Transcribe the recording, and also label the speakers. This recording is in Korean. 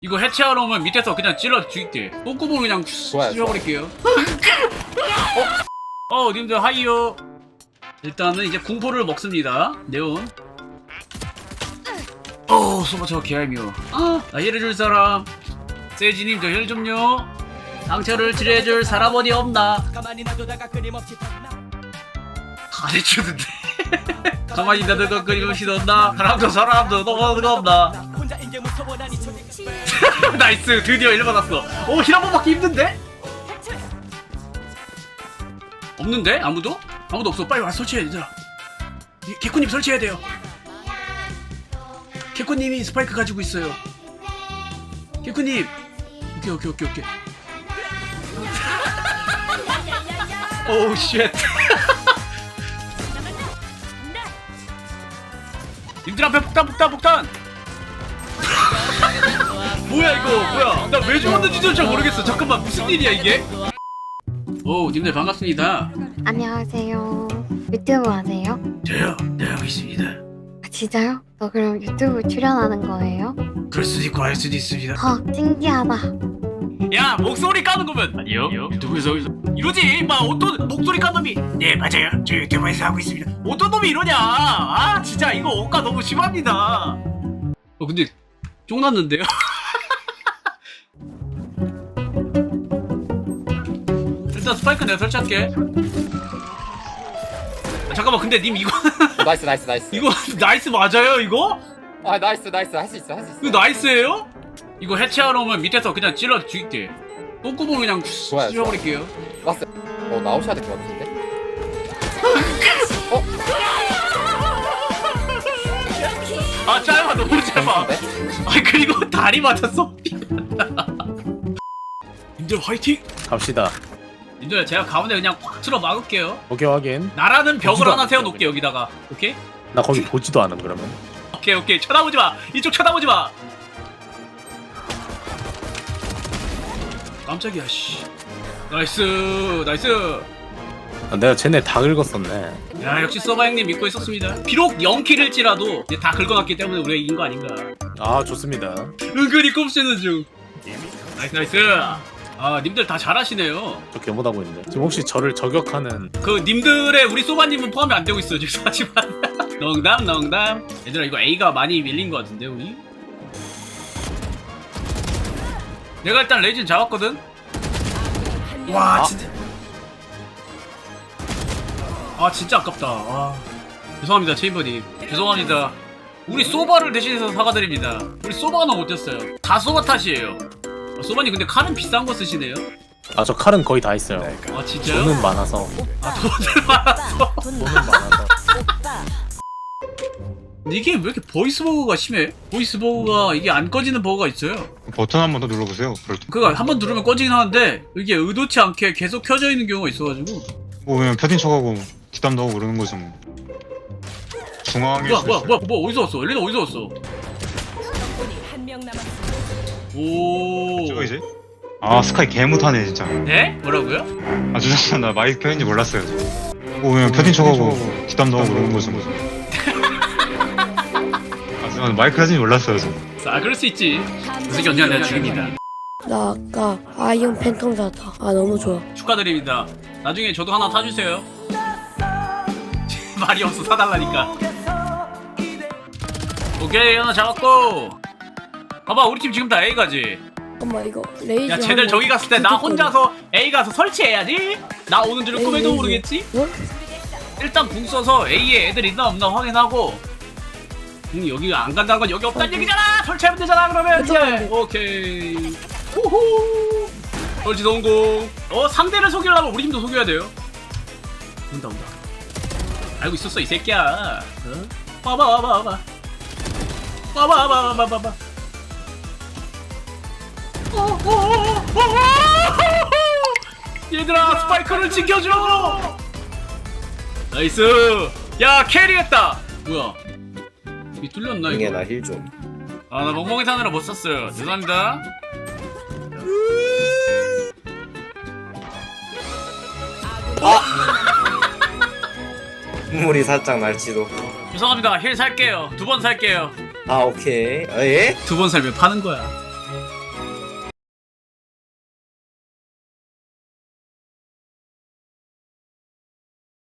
Speaker 1: 이거 해체하러 오면 밑에서 그냥 찔러 죽일게. 똥구멍 그냥 쑤셔버릴게요. 님들 하이요. 일단은 이제 공포를 먹습니다. 네온. 소바 저 개알미워. 나 힐해줄 사람. 세이지님 저 힐 좀요. 상처를 치료해줄 사람 어디 없나? 다 해주는데. 가만히 나들고 끊임없이 넣나? 사람도 너무가 없나? 나이스, 드디어 1 받았어. 힐 한 번 받기 힘든데? 없는데? 아무도? 아무도 없어. 빨리 와서 설치해 얘들아. 개코님 설치해야 돼요. 개코님이 스파이크 가지고 있어요. 개코님. 오케이. 오우 쉣. 님들 앞에 폭탄. 뭐야 이거 뭐야? 나 왜 죽었는지도 잘 모르겠어. 잠깐만 무슨 일이야 이게? 님들 반갑습니다.
Speaker 2: 안녕하세요. 유튜브 하세요?
Speaker 1: 저요? 네 하고 있습니다.
Speaker 2: 아, 진짜요? 너 그럼 유튜브 출연하는 거예요?
Speaker 1: 그럴 수도 있고 알 수도 있습니다.
Speaker 2: 신기하다.
Speaker 1: 야 목소리 까는 거면 아니요 유튜브에서 이러지. 막 어떤 목소리 깐 놈이 네 맞아요 저 유튜브에서 하고 있습니다. 어떤 놈이 이러냐. 진짜 이거 억까 너무 심합니다. 근데 쫑났는데요? 일단 스파이크 내가 설치할게. 잠깐만 근데 님 이거
Speaker 3: 나이스.
Speaker 1: 이거 나이스 맞아요 이거?
Speaker 3: 아 나이스 할 수 있어.
Speaker 1: 이거 나이스예요? 이거 해체하러 오면 밑에서 그냥 찔러 죽일게. 똥구멍 그냥
Speaker 3: 좋아요.
Speaker 1: 쑤셔버릴게요.
Speaker 3: 나이스. 나오셔야 될 것 같은데.
Speaker 1: 짧아 너무 짧아. 그리고 다리 맞았어. 님들 화이팅!
Speaker 4: 갑시다.
Speaker 1: 님들 제가 가운데 그냥 꽉 틀어 막을게요.
Speaker 4: 오케이 확인.
Speaker 1: 나라는 벽을
Speaker 4: 보지도
Speaker 1: 하나
Speaker 4: 않을게요,
Speaker 1: 세워놓을게 여기다가. 오케이?
Speaker 4: 나 거기 보지도 않음 그러면.
Speaker 1: 오케이 쳐다보지 마. 이쪽 쳐다보지 마. 깜짝이야 씨. 나이스.
Speaker 4: 아, 내가 쟤네 다 긁었었네.
Speaker 1: 야 역시 서바 형님 믿고 있었습니다. 비록 0킬일지라도 이제 다 긁어놨기 때문에 우리가 이긴 거 아닌가.
Speaker 4: 아 좋습니다.
Speaker 1: 은근히 꼽시는 중. 나이스. 님들 다 잘하시네요.
Speaker 4: 저 개못하고 있는데. 지금 혹시 저를 저격하는
Speaker 1: 그 님들의 우리 소바님은 포함이 안 되고 있어요. 죄송하지만. 농담. 얘들아 이거 A가 많이 밀린 거 같은데 우리? 내가 일단 레이진 잡았거든? 와 진짜 아깝다. 죄송합니다 체인버님. 죄송합니다. 우리 소바를 대신해서 사과드립니다. 우리 소바가 너무 못했어요. 다 소바 탓이에요. 소바님 근데 칼은 비싼 거 쓰시네요?
Speaker 4: 아 저 칼은 거의 다 있어요.
Speaker 1: 진짜요?
Speaker 4: 돈은 많아서.
Speaker 1: 돈을 많았어.
Speaker 4: 돈은 많아서.
Speaker 1: 근데 이게 왜 이렇게 보이스 버그가 심해? 보이스 버그가 이게 안 꺼지는 버그가 있어요.
Speaker 5: 버튼 한 번 더 눌러보세요. 그럴 때.
Speaker 1: 그거 한 번 누르면 꺼지긴 하는데 이게 의도치 않게 계속 켜져 있는 경우가 있어가지고.
Speaker 5: 그냥 패딩 쳐가고 뒷담도 하고 그러는 거지 뭐. 중앙에
Speaker 1: 뭐야 어디서 왔어? 엘리나 어디서 왔어? 오.
Speaker 5: 저거 이제? 스카이 개 못하네 진짜.
Speaker 1: 네? 뭐라고요?
Speaker 5: 죄송합니다. 나 마이크 켜는지 몰랐어요. 그냥 패딩 쳐가고 뒷담도 하고 그러는 거지 뭐. 죄송합니다. 마이크 켜는지 몰랐어요 지금.
Speaker 1: 그럴 수 있지. 무슨 언니가 내가 죽입니다.
Speaker 6: 나 아까 아이언 팬텀 샀다. 너무 좋아.
Speaker 1: 축하드립니다. 나중에 저도 하나 사주세요. 말이 없어 사달라니까. 오케이 하나 잡았고. 봐봐 우리 팀 지금 다 A 가지.
Speaker 6: 잠깐만 이거 레이즈.
Speaker 1: 야 쟤들 저기 갔을 때 나 혼자서 A 가서 설치해야지. 나 오는 줄은 꿈에도 모르겠지. 일단 궁 써서 A에 애들 있나 없나 확인하고. 여기가 안 간다는 건 여기 없다는 얘기잖아. 설치하면 되잖아 그러면. 이제 오케이. 후후. 설치 성공. 상대를 속이려면 우리 팀도 속여야 돼요. 온다. 알고 있었어 이 새끼야. 와봐. 얘들아 스파이크를 지켜줘. 나이스. 야 캐리했다. 뭐야 이 뚫렸나 이거?
Speaker 3: 나 힐 좀.
Speaker 1: 나 멍멍이 타느라 못 썼어요. 죄송합니다.
Speaker 3: 눈물이 살짝 날지도.
Speaker 1: 죄송합니다. 힐 살게요. 2번 살게요.
Speaker 3: 오케이. 예?
Speaker 1: 2번 살면 파는 거야.